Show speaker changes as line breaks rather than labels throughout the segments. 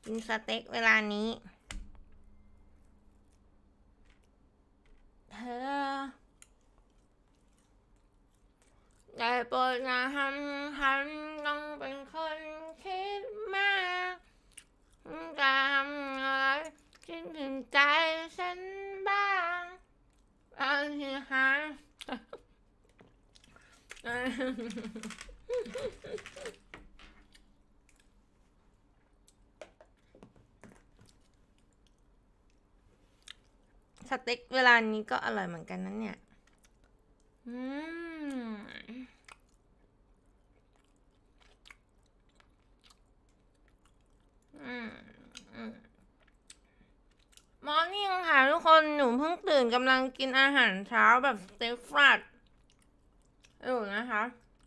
กินสเต็กเวลานี้เธอได้โปรดนะทำต้องเป็นคนคิดมากจะทำอะไรคิดถึงใจฉันบ้างเอาที่หาสเต็กเวลานี้ก็อร่อยเหมือนกันนะเนี่ยอืมมอร์นิ่งค่ะทุกคนหนูเพิ่งตื่นกำลังกินอาหารเช้าแบบสเต็กฟรัดอยู่นะคะ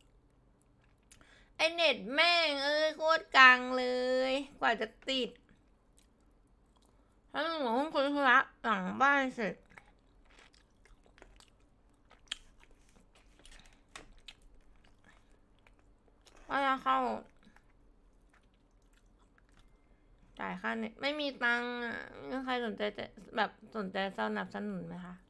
ไอเน็ตแม่งโคตรกังเลยกว่าจะติดแล้วหนูเพิ่งคุยธุระหลังบ้านเสร็จก็จะเข้าจ่ายค่าเน็ตไม่มีตังค์อ่ะไม่มีใครสนใจจะแบบสนใจสนับสนุนไหมคะ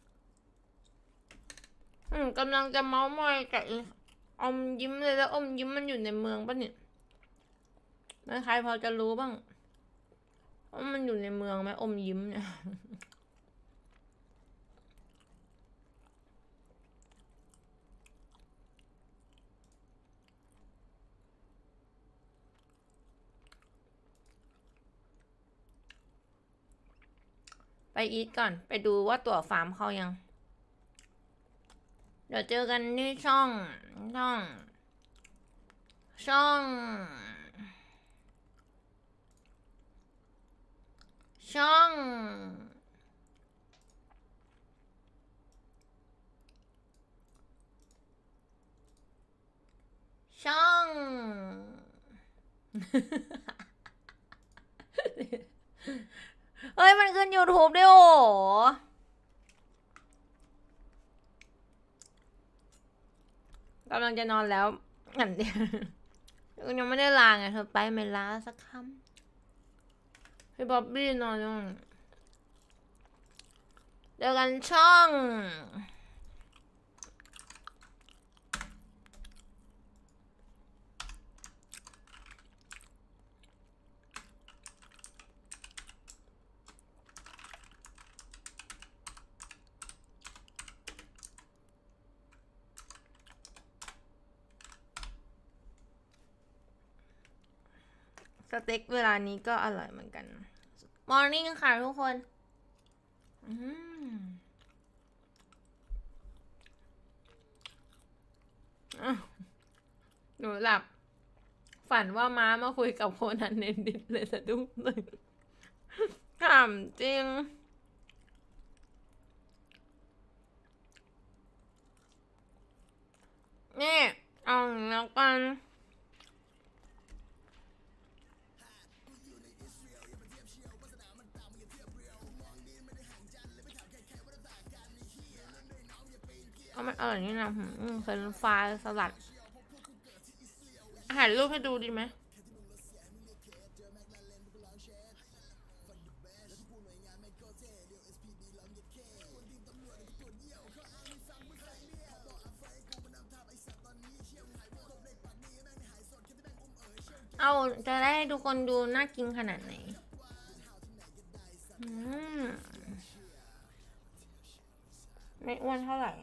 กำลังจะเมาส์มอยกับอมยิ้มเลยแล้วอมยิ้มมันอยู่ในเมืองปะเนี่ยไม่ใครพอจะรู้บ้างว่ามันอยู่ในเมืองไหมอมยิ้มเนี่ยไปอีทก่อนไปดูว่าตั๋วฟาร์มเขายังเดี๋ยวเจอกันที่ช่องช่องช่องช่องเฮ้ยมันขึ้น YouTube ด้วยโอ้กำลังจะนอนแล้วอันเดียวยังไม่ได้ลาไงเธอไปไม่ลาสักคำพี่บ๊อบบี้นอนยังเจอกันช่องสเต็กเวลานี้ก็อร่อยเหมือนกันมอร์นิ่งค่ะทุกคนหนูหลับฝันว่าม้ามาคุยกับโคนันเนนดิตเลยสะดุ้งเลยขำจริงนี่เอาแล้วกันเอามันอร่อยนี่นะเฟรนช์ฟรายสลัดถ่ายรูปให้ดูดีไหมเอาจะได้ให้ทุกคนดูน่ากินขนาดไหนไม่อ้วนเท่าไหร่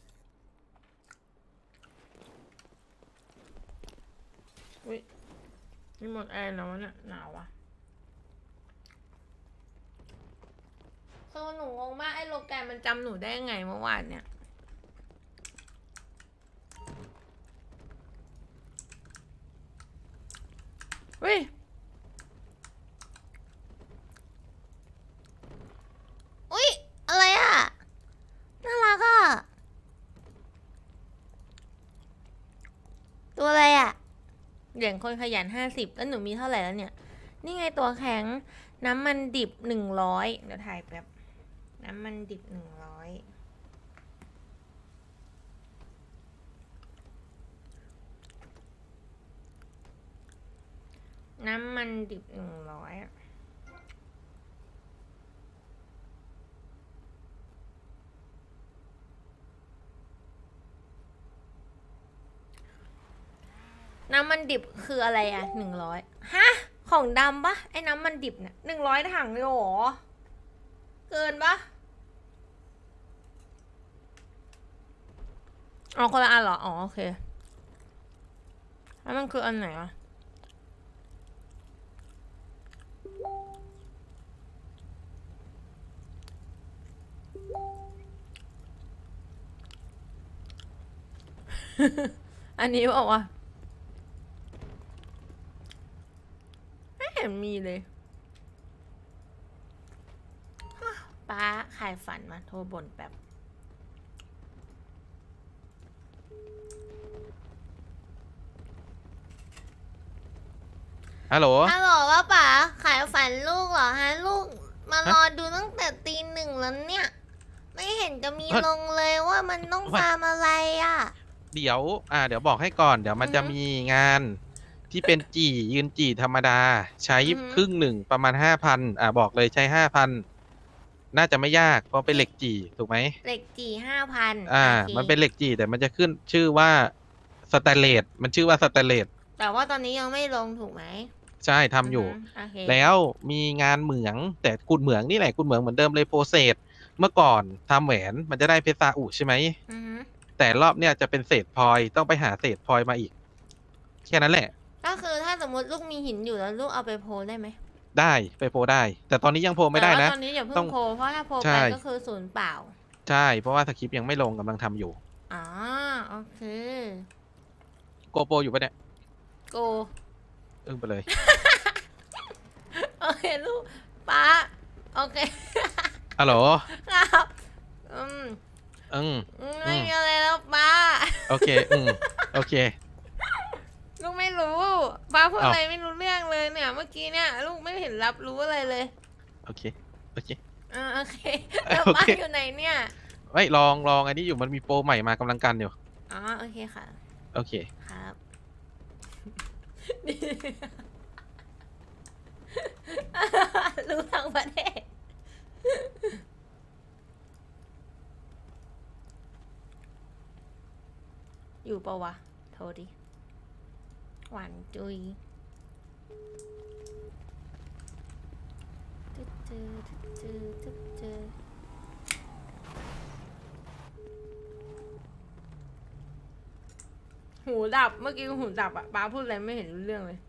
อุ้ยนี่หมดแอร์แล้วเนี่ยหนาวอ่ะคือหนูงงมากไอ้โลแกนมันจำหนูได้ยังไงเมื่อวานเนี่ยเฮ้ยอุ้ยอะไรอ่ะน่ารักอ่ะตัวอะไรอ่ะเหรียญคนขยัน50แล้วหนูมีเท่าไหร่แล้วเนี่ยนี่ไงตัวแข็งน้ำมันดิบ100เดี๋ยวถ่ายแป๊บน้ำมันดิบ100 น้ำมันดิบ100น้ำมันดิบคืออะไรอะ100ฮะของดำปะไอ้น้ำมันดิบเนี่ย100ถังเลยเหรอเกินปะอ๋อคนละอันเหรออ๋อโอเคแล้วมันคืออันไหนอะอันนี้บอกว่าไม่เห็นมีเลยป้าขายฝันมาโทรบ่นแบบ
ฮัลโหล
ฮัลโหลว่าป๋าขายฝันลูกเหรอฮะลูกมารอดูตั้งแต่ตี 1แล้วเนี่ย ไม่เห็นจะมีลงเลยว่ามันต้องฟาร์มอะไรอ่ะ
เดี๋ยวเดี๋ยวบอกให้ก่อน เดี๋ยวมันจะมีงานที่เป็นยืนธรรมดา ใช้ครึ่งหนึ่งประมาณ5,000บอกเลยใช้5,000น่าจะไม่ยากเพราะเป็นเหล็กถูกไหม
เหล็ก5,000
มันเป็นเหล็กแต่มันจะขึ้นชื่อว่าสแตนเลสมันชื่อว่าสแตนเลส
แต่ว่าตอนนี้ยังไม่ลงถูกไหม
ใช่ทำอยู่
โอเค
แล้วมีงานเหมืองแต่กุดเหมืองนี่แหละกุดเหมืองเหมือนเดิมเลยโปรเซสเมื่อก่อนทำแหวนมันจะได้เพชรซาอุใช่ไหม แต่รอบเนี้ยจะเป็นเศษพลอยต้องไปหาเศษพลอยมาอีกแค่นั้นแหละ
ก็คือถ้าสมมติลูกมีหินอยู่แล้วลูกเอาไปโพลได้ไหม
ได้ไปโพลได้ แต่ตอนนี้ยังโพลไม่ได้นะ
แต่ว่าตอนนี้อย่าเพิ่
ต้อง
งโพลเพราะถ้าโพล
ใช่
ไปก็คือศูนย์เปล่า
ใช่เพราะว่าสคริปต์ยังไม่ลงกำลังทำอยู่
อ๋อโอเค
โกโปรอยู่ปะเนี่ย
โก
อึ้งไปเลย
โอเคลูกป้าโอเค
ฮัลโหล
ครับ
อืม
ไม่มีอะไรแล้วป้า
โอเคโอเค
ลูกไม่รู้ป้าพูด
อ้าว
อะไรไม่รู้เรื่องเลยเนี่ย เมื่อกี้เนี่ย ลูกไม่เห็นรับรู้อะไรเลย
โอเคโอเค
โอเคแล้วป้า
โอเค
อยู่ไหนเนี่ย
ไม่ลองอันนี้อยู่มันมีโปรใหม่มากำลังกันอยู่
อ๋อโอเคค่ะ
โอเค
ครับ รู้ทั้งประเทศ อยู่ปะวะ โทรดิ หวานจุยหูดับ เมื่อกี้หูดับอะป้าพูดอะไรไม่เห็นรู้เรื่องเลย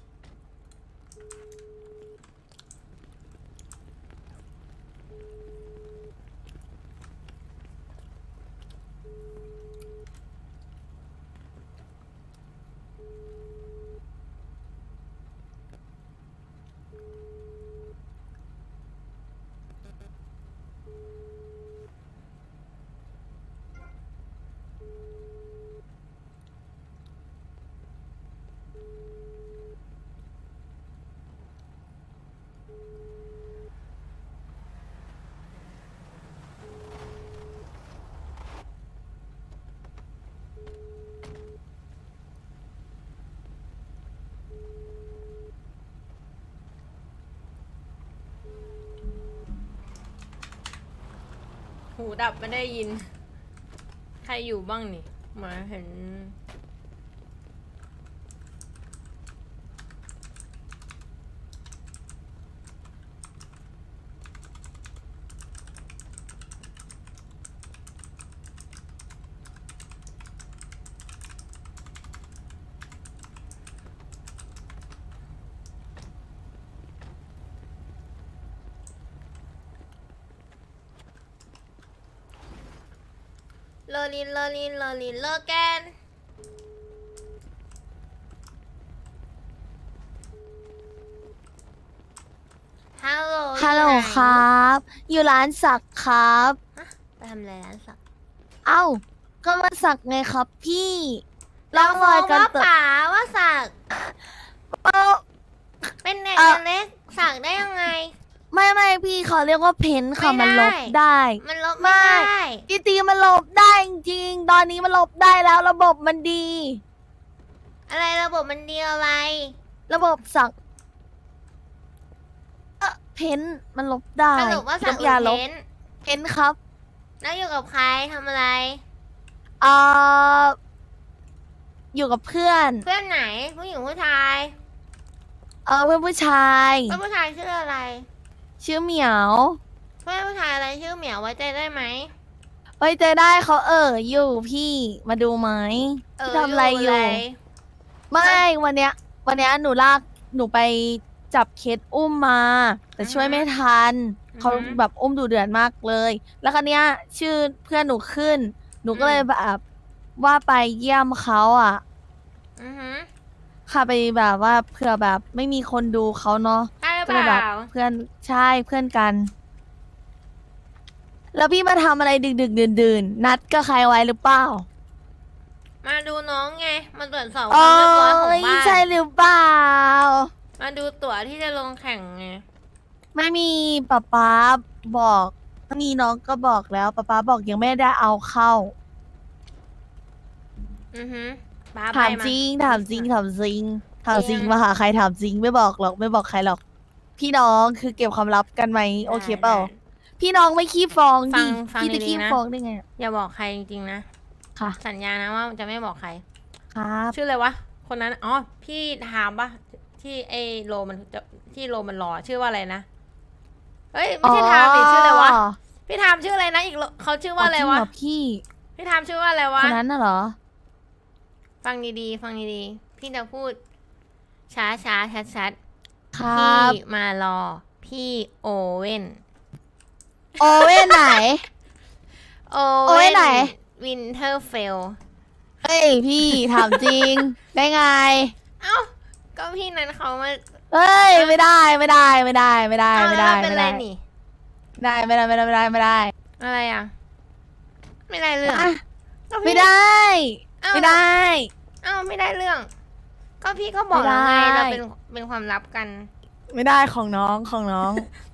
หูดับไม่ได้ยิน ใครอยู่บ้างนี่เหมือนเห็น โลลินโลลินโลลินโลแกนฮัลโหล
ฮัลโหล
อยู่ไน
ครับ อยู่ร้านสักครับ
ไปทำอะไรร้านสัก
เอ้า ก็มาสักไงครับพี่
เรา
ร่อง
ม
ร
อ
อย
ง
กัน
ว่า
เติบ
ป๋าว่าสัก
เอ้า
เป็นเด็ก
เอ่อ
เล็กสักได้ยังไง
ไม่พี่เขาเรียกว่าเพ้นท์ค่ะ
ไม่
มัน
ได้
ลบได้
มันลบไม่ได้
จริงๆมันลบได้จริงๆตอนนี้มันลบได้แล้วระบบมันดี
อะไรระบบมันดีอะไร
ระบบสักเพ้นท์มันลบได้
สรุปว่าสัก
น้ำยาลบ
เพ้นท์
เพ้นท์ครับ
แล้วอยู่กับใครทำอะไร
เอ่ออยู่กับเพื่อน
เพื่อนไหนผู้หญิงผู้ชาย
เพื่อนผู้ชาย
เพื่อนผู้ชายชื่ออะไร
ชื่อเหมียว
เพื่อนผู้ชายอะไรชื่อเหมียวไว้ใจได้ไหม
ไว้เจอได้เขาอยู่พี่มาดูไหมพี่ทำอะไรอยู่ ไม่วันเนี้ยหนูไปจับเคสอุ้มมา แต่ช่วยไม่ทันเขาแบบอุ้มดุเดือดมากเลย แล้วครั้เนี้ยชื่อเพื่อนหนูขึ้น หนูก็เลยแบบว่าไปเยี่ยมเขาอ่ะ
อือหือ
ค่ะไปแบบว่าเผื่อแบบไม่มีคนดูเขาเนาะ
ได้หรือ
ก็
เป
เลยแบบ
ล่า
เพื่อนใช่เพื่อนกัน แล้วพี่มาทำอะไรดึกดื่นนัดกับใครไว้หรือเปล่า
มาดูน้องไง มาตรวจสอบค
โอ้
วามเรียบร้อยของ
ย
บ้าน
ใช่หรือเปล่า
มาดูตั๋วที่จะลงแข่งไง
ไม่มีป๊าบอกถ้ามีน้องก็บอกแล้วป๊าบอกยังไม่ได้เอาเข้า
อือหือบ้า
ถาม
ไป
จริงถามจริงถามจริงถามจริง
จริง
มาหาใครถามจริงไม่บอกหรอกไม่บอกใครหรอก พี่น้องคือเก็บความลับกันไหมโอเคเปล่า
ได้
พี่น้องไม่ขี้ฟ้องดิ
ฟัง
พี่จะ
ดีๆ
ขี้
นะ
ฟ้องได้ไงอะ
อย่าบอกใครจริงๆนะ
ค่ะ
สัญญานะว่าจะไม่บอกใคร
ครับ
ชื่ออะไรวะ คนนั้น อ๋อ พี่ถามปะที่ไอโลมันจะที่โลมันรอชื่อว่าอะไรนะ เฮ้ย ไม่ใช่ถามดิชื่ออะไรวะ พี่ถามชื่ออะไรนะอีกโลเขาชื่อว่าอะไรวะ
จงเหพี่
พี่ถามชื่อว่าอะไรวะ
คนนั้นน่ะเหรอ
ฟังดีๆ ฟังดีๆ พี่จะพูด ช้าช้าชัดชัด
ค
ๆ
รั
พี่
บ
มารอ พี่โอเว่น
โอเว่นไหน
โอ
โอเว่นไหน
วินเทอร์เฟล
เฮ้ยพี่ถามจริง ได้ไง
เอ้า ก็พี่นั้นเขามา
เฮ้ยไม่ได้ไม่ได้ไม่ได้ไม่ได้
เอ้า
ไม่
แล้ว
ได้
เราเป็น
ไม่
ไร
ได้
นี่
ไม่ได้ไม่ได้ไม่ได้ไม่ได้
อะไรอ่ะ ไม่ได้เรื่อง
อ่ะ
ก็พี่
ไม่ได้
เอ้า
ไม่ได้
เอ้าไม่ได้เรื่อง ก็พี่ก็บอกแล้วไง
ไม่ได้
เราเป็นความลับกัน
ไม่ได้ของน้องของน้อง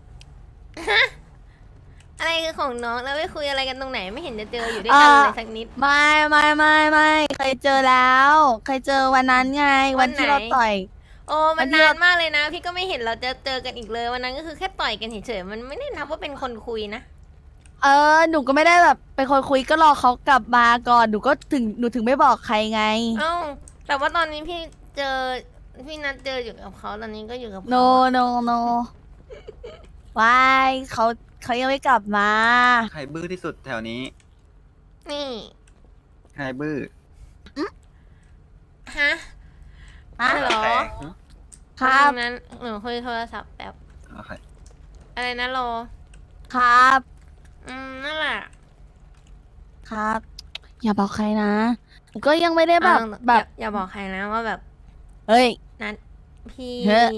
อะไรคือของน้องแล้วไปคุยอะไรกันตรงไหนไม่เห็นจะเจออยู่ด้วยกันเลยสักนิด
ไม่เคยเจอแล้วเคยเจอวันนั้นไง
วั
วัน นที่
ไหน
เราต่อย
โอ้มัน
วันที่
นาน
เรา
มากเลยนะ พี่ก็ไม่เห็นเราจะเจอกันอีกเลยวันนั้นก็คือแค่ต่อยกันเฉยๆมันไม่ได้นับว่าเป็นคนคุยนะ
หนูก็ไม่ได้แบบเป็นคนคุยก็รอเขากลับมาก่อนหนูก็หนูถึงไม่บอกใครไง
เอ้าแต่ว่าตอนนี้พี่เจอพี่นัดเจออยู่กับเขาตอนนี้ก็อยู่กับเขา
no วายเขายังไม่กลับมา
ใครบื้อที่สุดแถวนี้
นี่
ใครบื้อ
ฮะ
ฮะ
เหรอ
ครับ
นั้นหนูคุยโทรศัพท์แบบ
โอเค
อะไรนะโล
ครับ
นั่นแหละ
ครับ อย่าบอกใครนะหนูก็ยังไม่ได้แบบ
อย่าบอกใครนะว่าแบบ
เฮ้ย
นัดพี่
เฮ้ย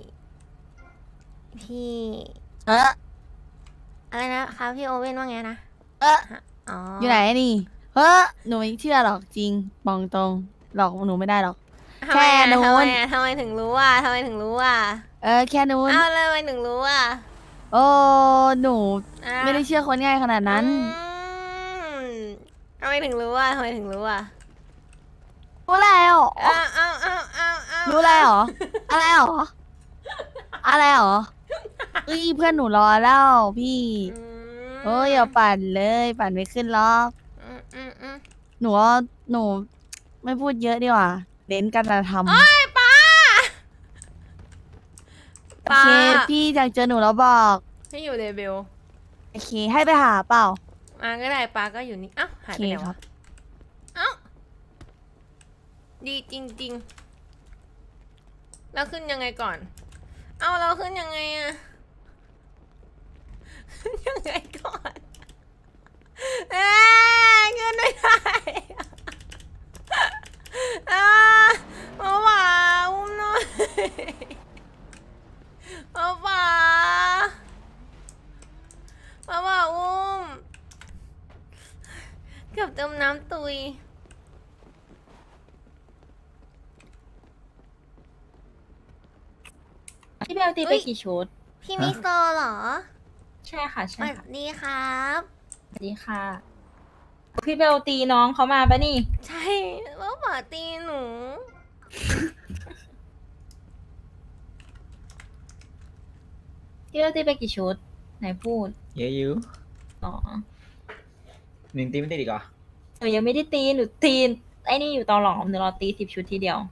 พี่
เออ
อะไรนะคะพี่โอเว่นว่าไงนะ
เออ
อ๋อ
อ
อยู่
ไหนนี่เฮ้หนูไม่เชื่อหรอกจริงบอกตรงหลอกหนูไม่ได้หรอก
ทำไมอะ
แค่นู้น
ทำไมถึงรู้อ่ะทำไมถึงรู้อ่ะ
แค่นู้น
อ้าวแล้วทำไมถึงรู้อ่ะ
โอ้หนู
อ่ะ
ไม่ได้เชื่อคนง่ายขนาดนั้น
อืมทำไมถึงรู้อ่ะทำไมถึงรู้อ่ะ
รู้แล้ว
อ้าว
รู้แล้วเหรออะไรเหรออะไรเหรอเอ้ยเพื่อนหนูรอแล้วพี่โอ้ยอย่าปั่นเลยปั่นไม่ขึ้นหรอก
อืม
หนูว่าหนูไม่พูดเยอะดีกว่าเน้นการกระทำ
ป้า
โอเคพี่อยากเจอหนูแล้วบอก
ที่อยู่เลเบล
โอเคให้ไปหาเปล่า
มาก็ได้ป้าก็อยู่นี่อ้าวหายไปไหน
โอเคครั
วะ
บ
เอ้าดีจริงๆแล้วขึ้นยังไงก่อน เอาเราขึ้นยังไงอะขึ้นยังไงก่อนขึ้นไม่ได้มาว่าอุ้มหน่อยมาว่าอุ้มเกือบจมน้ำตุย
พี่เบลตี
อุ๊
ไป
ย
กี่ชุด
พี่มิโซเหรอ
ใช่ค่ะ
ส
ใช่
วัส
ค่ะ
ดีครับ
สวัสดีค่ะ พี่เบลตีน้องเขามาปะนี่
ใช่ว่าหมาตีหนู
พ
พี่เบลตีไปกี่ชุด ไหนพูด
เยอะอยู่
อ๋อ
หนึ่งตีไม่ติดอีกเหรอ
หนูยังไม่ได้ตีหนูตีไอ้นี่อยู่ตอหลอมหนูรอตี10 ชุดทีเดียว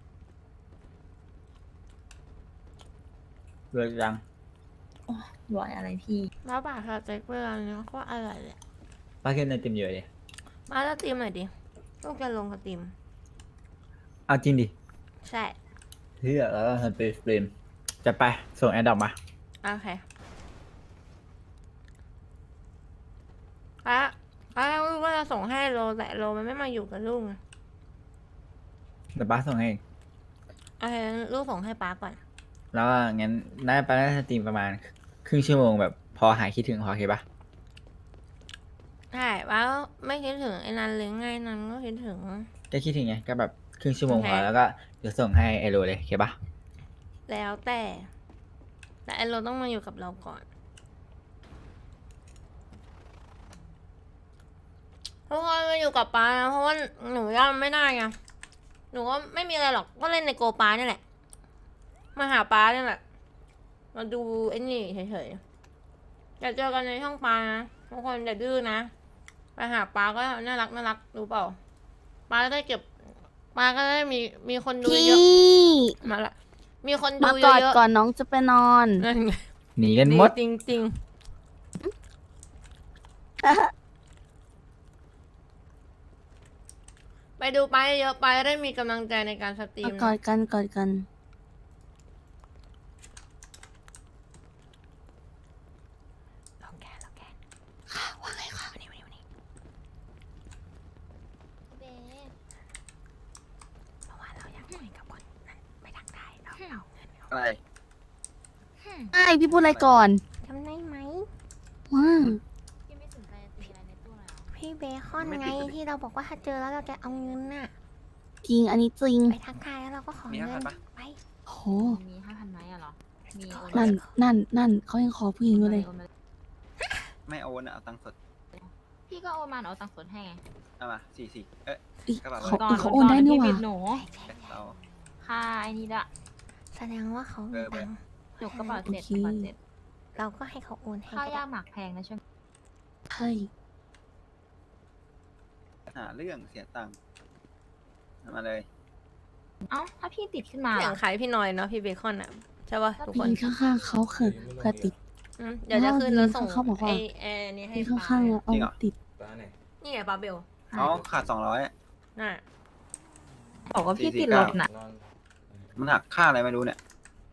เลิกยัง
รวยอะไรพี่
แล้วบาทสเต็กเวลาเนี้ยก็อร่อยเลย
ป้าขึ้นในเต็มเยอะเลย
มาแล้วตีมหน่อยดิลูกจะลงกับตีม
เอาจริงดิ
ใช่
เฮ้ยแล้วเราทำเป็นสตรีมจะไปส่งแอดดอกมา
โอเคแล้วลูกว่าจะส่งให้โลแต่โลมันไม่มาอยู่กับลูกไง
เดี๋ยวป้าส่งให้เอง
โอเคลูกส่งให้ป้าก่อน
แล้วก็งั้นได้ป้าได้สตรีมประมาณครึ่งชั่วโมงแบบพอหายคิดถึงพอโอเคปะ
ใช่แล้วไม่คิดถึงไอ้นันเลยไงนันก็คิดถึง
ก็คิดถึงไงก็แบบครึ่งชั่วโมง
โอเค
พอแล้วก็เดี๋ยวส่งให้ไอโรเลยโอเคปะ
แล้วแต่ไอ้โลต้องมาอยู่กับเราก่อนทุกคนมาอยู่กับป้านะเพราะว่าหนูย่าไม่ได้ไงหนูก็ไม่มีอะไรหรอกก็เล่นในโกป้านี่แหละมาหาป้านี่แหละมาดูไอ้นี่เฉยๆอย่าเจอกันในช่องป้านะทุกคนอย่าดื้อนะไปหาป้าก็น่ารักรู้เปล่าป้าก็ได้เก็บป้าก็ได้มีคนดู
พี่
เยอะมาละมีคนดู
มา
เย
กอด
อะ
ก่อนน้องจะไปนอน
ๆนั่นไง
หนีกันหมด
จริงๆ ไปดูไปเยอะไปได้มีกำลังใจในการสตรี
มาม กอดกันกอดกัน
ลองแกว่าไงค่ะวันนี้เบเพราะว่าเราอยากคุยกับคนนั้นไม่ทักทายเราเอาเงินเอา
อะไร
ไอ้พี่พูดอะไรก่อน
จำได้ไหม
ว่า
พี่เบคอนไงที่เราบอกว่าถ้าเจอแล้วเราจะเอาเงินน่ะ
จริงอันนี้จริง
ไปทักทายแล้วเราก็ขอ
มี
เงิน
5,000ปะ
ไป
โห
มี5,000ไหมอะเหรอ มีโอน
นั่นเขายังขอผู้หญิงอยู่เลย
ไม่โอนอะเอาตังค์สด
พี่ก็โอนมาเอาตังค์สดให้ไง
เอามา44เอ๊ะ
อีก
กระเป๋า
เขาโอนได้นี่หว่า
หนู
เรา
ค่าไอ้นี่ละ
แสดงว่าเขามีตังค์
หนูกระเป๋าเสร็จ
โอเค
กระเป๋าเสร็จ
เราก็ให้เขาโอนให้
ข้าว
ก็ได้
ย่างหมักแพงนะช่วง
ใช่
หาเรื่องเสียตังค์เอามาเลย
เอ้าถ้าพี่ติดขึ้นมา
เสีย
ล่ะ
งขายพี่หน้อยเนาะพี่เบคอนอ่ะใช่ป่ะทุก
พี่
คน
ข้างๆเขาเผื่อติด
เดี๋ยวจะขึ้นแล้วส่ง
เขาบอกว่า
ไอ้แอร์นี่ให้
พี่
ป้า
ข้างๆอะเอาติด
นี่ไงป้าเบล
อ๋อขาด200
น่ะ
บอกว่าพี่ติดรถน่ะ
มันหักค่าอะไรไม่รู้เนี่ย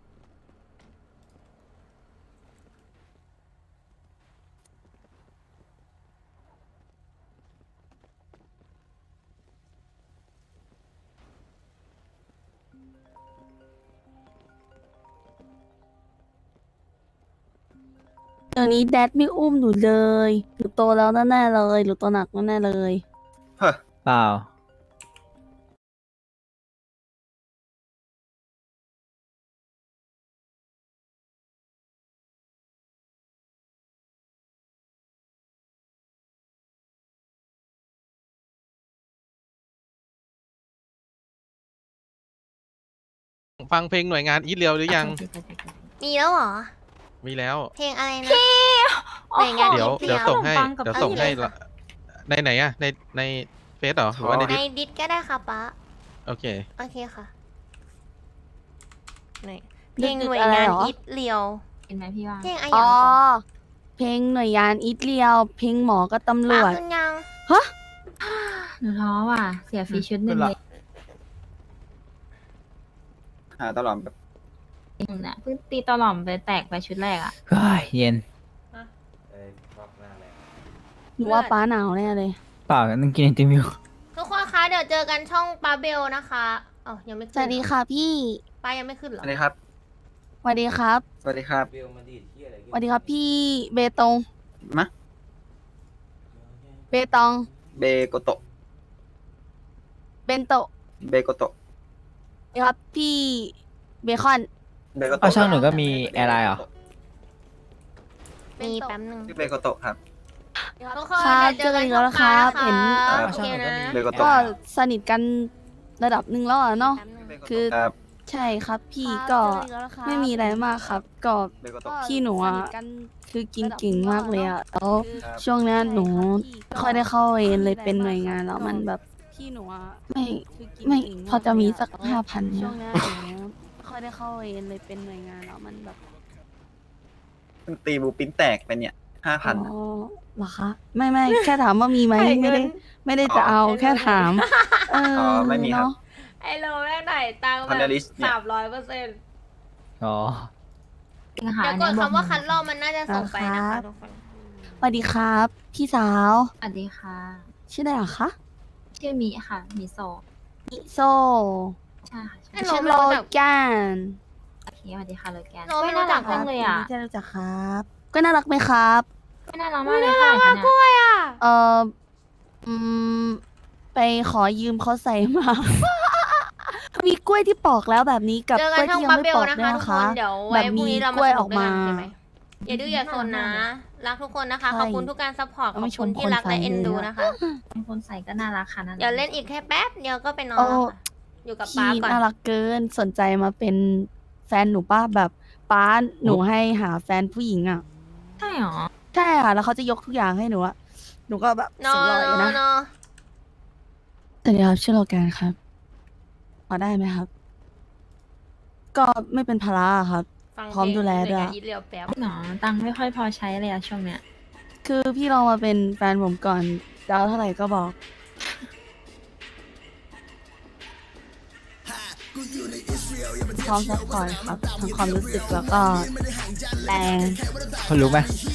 เดี๋ยวนี้แดดไม่อุ้มหนูเลยหนูโตแล้วแน่ๆเลยหนูโตหนักแน่ๆเลย
เฮ้อ
เปล่า
ฟังเพลงหน่วยงานอีทเรียวหรือยัง
มีแล้วเหรอ
มีแล้ว
เพลงอะไรนะหน่วยงาน
เดี๋ยว
นิ
เดี๋ยว
เดียว
ส่งให้
ขนมปังกับ
เดี๋ยวส่งให้
อันนี้เลย
ละในไหนอะในเฟซเหรอหรือว่าใน
ใน
ดิส
ดิสก็ได้ค่ะป้า
โอเค
โอเคค่ะนี่เพ
ดิ
ล
ส
ง
ดิส
หน่วย
อะไร
งาน
เหรอ
อิตเลียว
เห็นไหมพี่ว่า
เพลงอะไร
อ๋
อ่ะ
อเพลงหน่วยงานอีทเรียว เพลงหมอกับตำร
ป้าว
จ
ขึ้นยัง
หนูท้อว่ะ เสียฟรีชุดหนึ่งเลย
หาตลอดแบบ
หนูน่ะเพิ่งตีตอหล่อมไปแตกไปชุดแรกอ่ะ
เฮ้ยเย็น
หนูว่าป้าหนาวแน่เลย
เปล่านั่งกินไอติมอยู่
ทุกคนคะเดี๋ยวเจอกันช่องปาเบลนะคะอ๋อยังไม่
ส
ขึ้น
วัสดีค่ะพี่
ป้ายังไม่ขึ้นเหรอ
สวัสดีครับ
สวัสดีครับ
สวัสดีครับ
สวัสดีครับพี่เบตง
มะ
เบตอง
เบโกโตะ
เบนโตะ
เบโกโตะ
สวัสดีครับพี่เบคอน
เบโก
เอา
โตะ
ช่องหนูก็มีแอร์ไลน์เหรอ
มีแป๊บนึง
ชื่อเบโกโตะครับ
ทุกคน
ครับ
เดี๋ยวเจอกัน
เจอกันอีกแล้วนะครับ
ช่อง
เห็น
ป้า
เอา
โอ
ช่อง
เค
หนูก็
นะ
มี
เบโกโตะ
ก็สนิทกันระดับหนึ่งแล้วอะเนาะ
แป๊บนึง
คือ
ครับ
ใช่ครับพี่
ครับ
ก็
เจออีกแล้วนะครับ
ไม่มีอะไรมากครับ ก็
เบลก็ตก
พี่หนูอะ
สทกัน
คือกินเก่งมากเลยอะแล้ว
ครับ
ช่วงเนี้ยหนู
ใช่
ไม่
รับ
ค่อยได้เข้าเวรเลย
พี่
เป็นหน่วยงานแล้ว
ก็
มันแบบ
พี่หนูอะ
ไม่
คือกิน
ไม่
เก่ง
พอจะมีสัก
ากเลยอะ
5,000เนี่ย
ช่วงเนี้ยหนูไม่ค่อยได้เข้าเวรเลยเป็นหน่วยงานแล้วมันแบบ
มึงตีบูปิ้นแตกไปเนี่ย5,000
อ๋อเหรอคะไม่แค่ถามว่ามีไหม
ให้
ไม่
เงิ
ได้
น
ไม่ได้จะเอา
ให้เงิน
แค่ถาม เออ
อ๋อไม่มีครับ
เนาะ
ไอ้โลแม่งไหนตังค์
คอน
แบ
เด
บ
ลิสเนี่ย
300%
อ๋อ
จริงค่ะ
เดี๋ยวกด
อันนี้
คำว่า
บ
คั
อก
ดลอกมันน่าจะส่งไปนะ
ครั
คะ
บ
ทุกคน
สวัสดีครับ พี่สาว
สวัสดีค่ะ
ชื่ออะไรเหรอคะ
ชื่อมิค่ะมิโซะ
มิโซ
ใช่ค่ะใช่
ไอ้โล
ชื่อ
ไม่
โล
รู้จัก
แกน
โอเคสวัสดีค่ะเลยแกน
โลไม่รู้จัก
น่ารัจังเลยอ่ะ
ยินดีที่ได้รู้จักครับ ก็น่ารักไหมครับ
ไม่น่ารักมากเลยค่ะเนี่ย
กล้วยอ่ะ
เอออืม ไปขอยืมเขาใส่มา มีกล้วยที่ปอกแล้วแบบนี้กับ
เจอก
ล้
กั
วน ย
ช่อง
ที่ยัง
บับ
ไม่
เบล
ปอก
นะ
ด้วย
คะทุก
นะ
ค
คะ
น เดี๋ยว
แบ
ไว้
บ
พรุ่ง
มี
นี้เรา
ก
มา
ล้วย
ส
อ
นุ
อก ก
ด้วย
มา
กันใช่ไหมอย่าดื้ออย่าโซนนะ รักทุกคนนะคะ
ใช่
ขอบคุณทุกการซัพพอร์ต ข
เอา
อบ
ไม่
คุณ
ชม
ที่
คน
รักและ
ใส่
เอ็นดู
เลยอะ
นะคะ
เป็นคนใส่ก็น่ารักค่ะน่ารัก
เดี๋ยวเล่นอีกแค่แป๊บเดียวก็ไปนอน
โอ้
แล้วค่ะ อยู่กับป๊า
พี่
ก่อน
น่ารักเกินสนใจมาเป็นแฟนหนูป้าแบบป้าหนูให้หาแฟนผู้หญิงอ่ะ
ใช่หรอ
ใช่ค่ะแล้วเขาจะยกทุกอย่างให้หนูอะหนูก็แบบ
นอ
เสียง
น
ลอยอยู่
นอ
นะ
นนอน
สวัสดีครับชื่อโลแกนครับพอได้ไหมครับ ก็ไม่เป็นภาระอะครับ
ฟัง
พร้อมดูแลด้วย
อีทเรียวแป๊บ
หนอตังค์ไม่ค่อยพอใช้เลยอะช่วงเนี้ย
คือพี่ลองมาเป็นแฟนผมก่อนจะเอาเท่าไหร่ก็บอก พร้อมซัพพอร์ตครับทั้งความรู้สึกแล้วก็แรง
คนรู้ไหม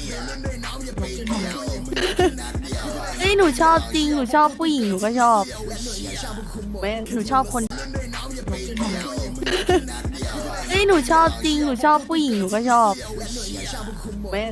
เฮ้ยหนูชอบจริงหนูชอบผู้หญิงหนูก็ชอบไม่หนูชอบคนเฮ้ยหนูชอบจริงหนูชอบผู้หญิงหนูก็ชอบไม่